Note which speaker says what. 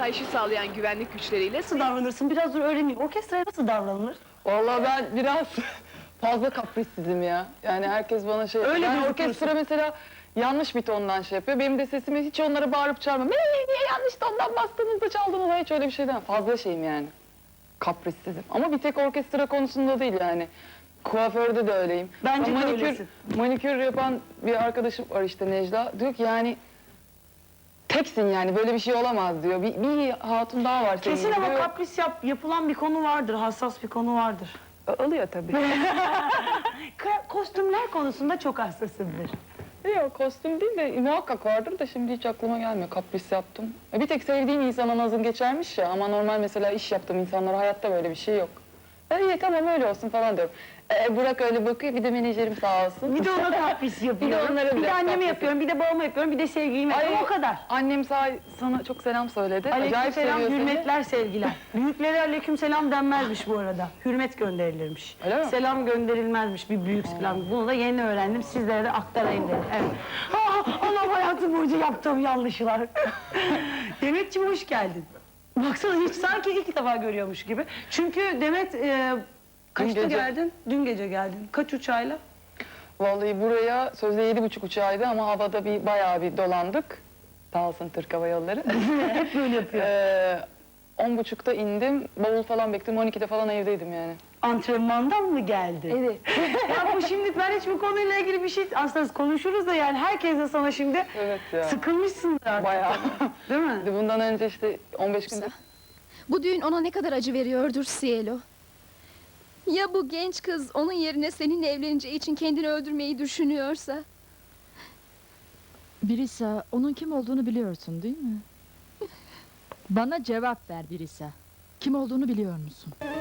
Speaker 1: asayişi sağlayan güvenlik güçleriyle...
Speaker 2: Nasıl davranırsın? Biraz dur öğreneyim. Orkestraya nasıl davranılır?
Speaker 3: Vallahi ben biraz fazla kaprissizim ya. Yani herkes bana şey...
Speaker 2: Öyle
Speaker 3: ben
Speaker 2: gözüküyorsun.
Speaker 3: orkestra mesela yanlış bir tondan şey yapıyor. Benim de sesimi hiç onlara bağırıp çağırmam. Niye yanlış tondan bastınız da çaldınız? Hiç öyle bir şeyden. Fazla şeyim yani. Kaprissizim. Ama bir tek orkestra konusunda değil yani. Kuaförde de öyleyim.
Speaker 2: Bence de
Speaker 3: manikür,
Speaker 2: öylesin.
Speaker 3: manikür yapan bir arkadaşım var işte, Necla. Diyor ki yani... Teksin yani, böyle bir şey olamaz diyor. Bir hatun daha var senin
Speaker 2: Kesin
Speaker 3: gibi
Speaker 2: ama
Speaker 3: diyor.
Speaker 2: kapris yapılan bir konu vardır, hassas bir konu vardır.
Speaker 3: Oluyor tabii.
Speaker 2: Kostümler konusunda çok hassasımdır.
Speaker 3: Yok, kostüm değil de muhakkak vardır da şimdi hiç aklıma gelmiyor. Kapris yaptım. Bir tek sevdiğim insana nazım geçermiş ya, ama normal mesela iş yaptığım insanlara hayatta böyle bir şey yok. İyi tamam öyle olsun falan diyorum. Burak öyle bakıyor, bir de menajerim sağ olsun.
Speaker 2: Bir de ona kapris yapıyorum.
Speaker 3: onlara
Speaker 2: bir de
Speaker 3: biraz
Speaker 2: anneme
Speaker 3: kapris
Speaker 2: yapıyorum, bir de babama yapıyorum, bir de sevgilime
Speaker 3: Ay,
Speaker 2: yapıyorum. O kadar.
Speaker 3: Annem sana çok selam söyledi. Acayip
Speaker 2: Aleykümselam,
Speaker 3: seviyor seni.
Speaker 2: hürmetler, sevgiler. Büyüklere aleykümselam denmezmiş bu arada. Hürmet gönderilirmiş.
Speaker 3: Öyle mi?
Speaker 2: Selam gönderilmezmiş bir büyük selam. Bunu da yeni öğrendim, sizlere de aktarayım dedim. Evet. Allah hayatım boyunca yaptığım yanlışlar. Demetciğim hoş geldin. Baksana hiç sanki ilk defa görüyormuş gibi. Çünkü Demet kaçta
Speaker 3: gece.
Speaker 2: geldin? Dün gece geldin. Kaç uçağıyla?
Speaker 3: Vallahi buraya sözde 7.30 uçağıydı ama havada bayağı bir dolandık. Sağ olsun Türk Hava Yolları.
Speaker 2: Hep böyle yapıyor.
Speaker 3: 10.30'da indim, bavul falan bekledim, 12'de falan evdeydim yani.
Speaker 2: Antrenmandan mı geldi?
Speaker 3: Evet.
Speaker 2: Ya bu şimdi ben hiç bu konuyla ilgili bir şey aslında konuşuruz da yani herkes de sana şimdi
Speaker 3: Evet ya.
Speaker 2: sıkılmışsındır artık.
Speaker 3: Bayağı.
Speaker 2: Değil mi?
Speaker 3: Bundan önce işte 15 günde...
Speaker 4: Bu düğün ona ne kadar acı veriyordur Cielo. Ya bu genç kız onun yerine seninle evleneceği için kendini öldürmeyi düşünüyorsa?
Speaker 5: Birisa, onun kim olduğunu biliyorsun değil mi? Bana cevap ver Birisa. Kim olduğunu biliyor musun?